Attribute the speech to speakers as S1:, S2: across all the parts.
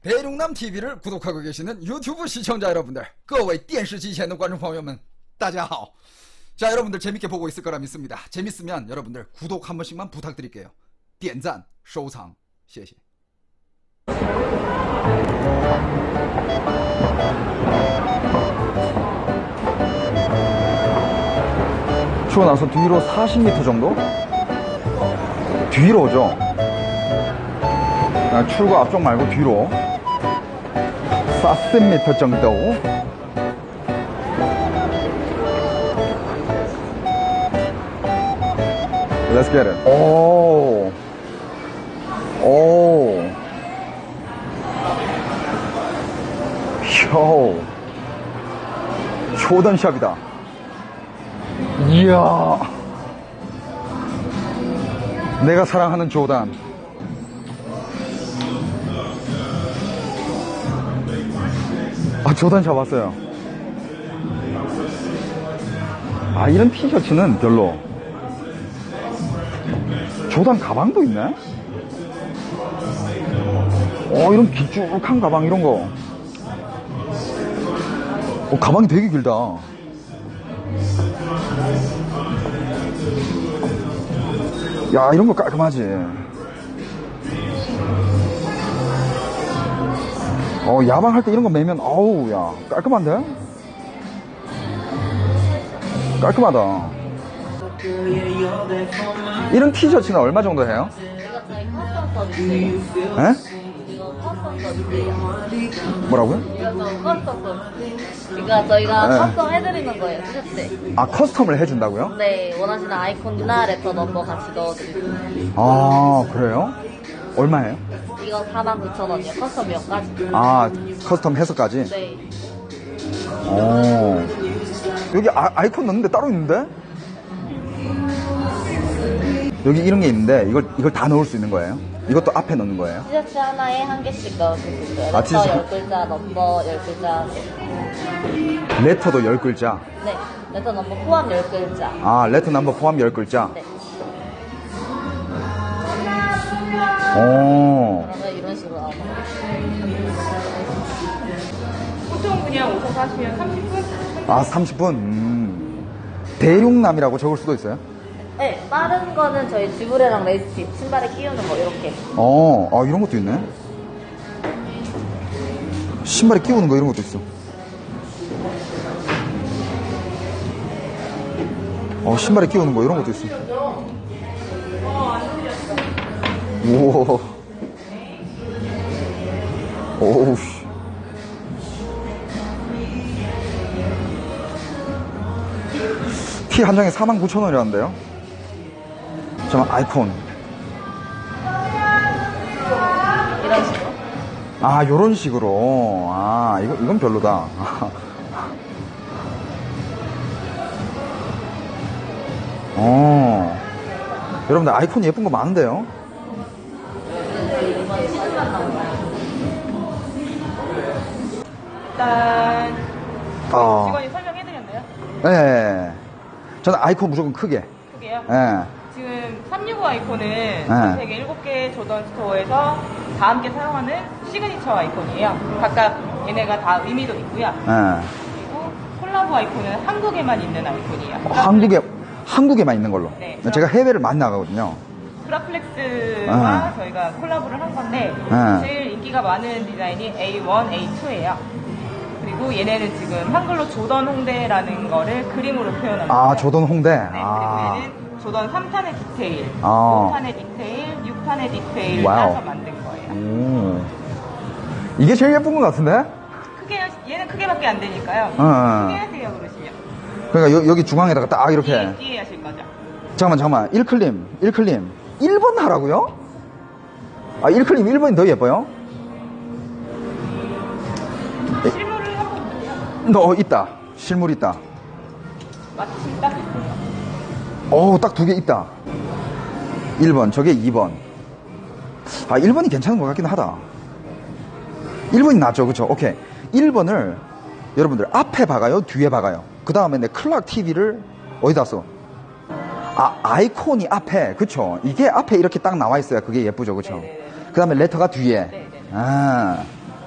S1: 대륙남 TV를 구독하고 계시는 유튜브 시청자 여러분들, 各位电视机前的观众朋友们大家好. 자, 여러분들 재밌게 보고 있을 거라 믿습니다. 재밌으면 여러분들 구독 한 번씩만 부탁드릴게요. 点赞收藏谢谢. 추고 나서 뒤로 40m 정도? 뒤로죠. 출구 앞쪽 말고 뒤로 40m 정도. Let's get it. 오. 오. 요. 조던샵이다. 이야. 내가 사랑하는 조던. 아, 조던샵 왔어요. 아, 이런 티셔츠는 별로. 조던 가방도 있네? 이런 길쭉한 가방, 이런 거. 가방이 되게 길다. 야, 이런 거 깔끔하지. 야방할 때 이런 거 매면, 어우, 야, 깔끔한데? 깔끔하다. 이런 티셔츠는 얼마 정도 해요?
S2: 이거 저희 커스텀 서비스예요.
S1: 에?
S2: 이거 커스텀 서비스예요.
S1: 뭐라고요?
S2: 이거 커스텀 서비스. 그러니까 저희가
S1: 네.
S2: 커스텀 해드리는 거예요, 티셔츠.
S1: 아, 커스텀을 해준다고요?
S2: 네, 원하시는 아이콘이나 레터 넘버 같이 넣어드리고.
S1: 아, 그래요? 얼마예요?
S2: 이거 49,000원이요. 커스텀 몇까지?
S1: 아, 커스텀 해서까지?
S2: 네.
S1: 여기 아이콘 넣는데 따로 있는데? 여기 이런 게 있는데, 이걸 다 넣을 수 있는 거예요? 이것도 앞에 넣는 거예요?
S2: 티셔츠 하나에 한 개씩 넣을 수 있어요.
S1: 아,
S2: 레터
S1: 티셔츠.
S2: 10글자, 넘버 10글자.
S1: 레터도 10글자.
S2: 네. 레터 넘버 포함 10글자.
S1: 아, 레터 넘버 포함 10글자.
S2: 네. 그러면 이런 식으로 나오는 거예요.
S3: 보통 그냥 오셔서 하시면 30분?
S1: 아, 30분? 대륙남이라고 적을 수도 있어요?
S2: 네, 빠른 거는 저희 쥐브레랑 레이스팁, 신발에 끼우는 거, 이렇게.
S1: 이런 것도 있네. 신발에 끼우는 거 이런 것도 있어. 신발에 끼우는 거 이런 것도 있어. 우와. 오우. 티 한 장에 49,000원이라는데요? 잠깐, 아이콘.
S2: 이런 식으로.
S1: 아, 요런 식으로. 아, 이건 별로다. 여러분들 아이콘 예쁜 거 많은데요?
S3: 일단
S1: 아.
S3: 직원이 설명해드렸나요?
S1: 네. 저는 아이콘 무조건 크게.
S3: 크게요?
S1: 네.
S3: 지금 365 아이콘은 전 세계 7개 조던 스토어에서 다 함께 사용하는 시그니처 아이콘이에요. 각각 얘네가 다 의미도 있고요. 그리고 콜라보 아이콘은 한국에만 있는 아이콘이에요.
S1: 한국에만 있는 걸로.
S3: 네.
S1: 제가 해외를 많이 나가거든요.
S3: 그라플렉스와 저희가 콜라보를 한 건데 제일 인기가 많은 디자인이 A1, A2예요. 그리고 얘네는 지금 한글로 조던 홍대라는 거를 그림으로 표현합니다.
S1: 아, 조던 홍대?
S3: 네, 그리고 얘는 조던 3탄의 디테일,
S1: 아.
S3: 5탄의 디테일, 6탄의 디테일을
S1: 와우.
S3: 따서 만든 거예요.
S1: 이게 제일 예쁜 것 같은데?
S3: 얘는 크게밖에 안 되니까요. 크게 하세요, 그러시면.
S1: 그러니까 여기 중앙에다가 딱 이렇게.
S3: 뒤에 하실 거죠.
S1: 잠깐만. 1클림. 1번 하라고요? 아, 1클림 1번이 더 예뻐요?
S3: 실물을 한번
S1: 있다. 실물 있다.
S3: 마침 딱 있어요.
S1: 딱 2개 있다. 1번, 저게 2번. 아, 1번이 괜찮은 것 같긴 하다. 1번이 낫죠, 그쵸? 오케이. 1번을 여러분들 앞에 박아요? 뒤에 박아요? 그 다음에 내 클락 TV를 어디다 써? 아, 아이콘이 앞에, 그쵸? 이게 앞에 이렇게 딱 나와 있어야 그게 예쁘죠, 그쵸? 그 다음에 레터가 뒤에.
S3: 네네.
S1: 아,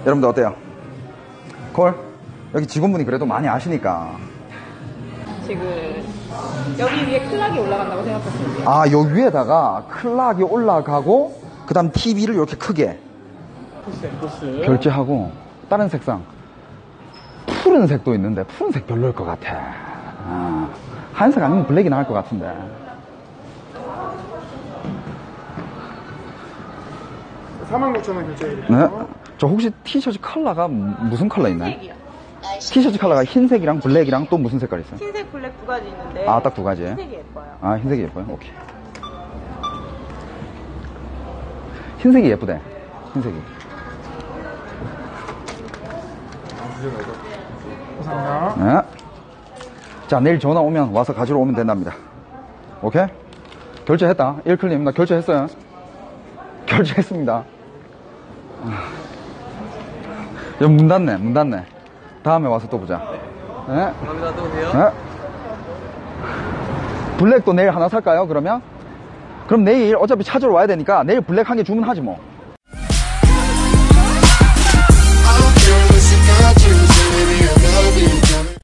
S1: 여러분들 어때요? 콜? 여기 직원분이 그래도 많이 아시니까.
S3: 지금 여기 위에 클락이 올라간다고 생각하시면 돼요.
S1: 아, 요 위에다가 클락이 올라가고 그 다음 TV를 이렇게 크게
S4: 보스.
S1: 결제하고 다른 색상 푸른색도 있는데 푸른색 별로일 것 같아. 아, 하얀색 아니면 블랙이 나을 것 같은데.
S4: $49,000원 결제해드릴게요.
S1: 네? 저 혹시 티셔츠 컬러가 무슨 컬러 있나요?
S3: 흰색이요.
S1: 티셔츠 컬러가 흰색이랑 블랙이랑 또 무슨 색깔 있어요?
S3: 흰색, 블랙 두 가지 있는데.
S1: 아, 딱 두 가지.
S3: 흰색이 예뻐요.
S1: 아, 흰색이 예뻐요? 오케이. 흰색이 예쁘대. 흰색이.
S4: 감사합니다.
S1: 네. 자, 내일 전화 오면 와서 가지러 오면 된답니다. 오케이? 결제했다. 1클님, 나 결제했어요. 결제했습니다. 야, 문 닫네, 문 닫네. 다음에 와서 또 보자. 네.
S5: 감사합니다. 또 오세요.
S1: 네. 블랙도 내일 하나 살까요, 그러면? 그럼 내일 어차피 찾으러 와야 되니까 내일 블랙 한 개 주문하지 뭐.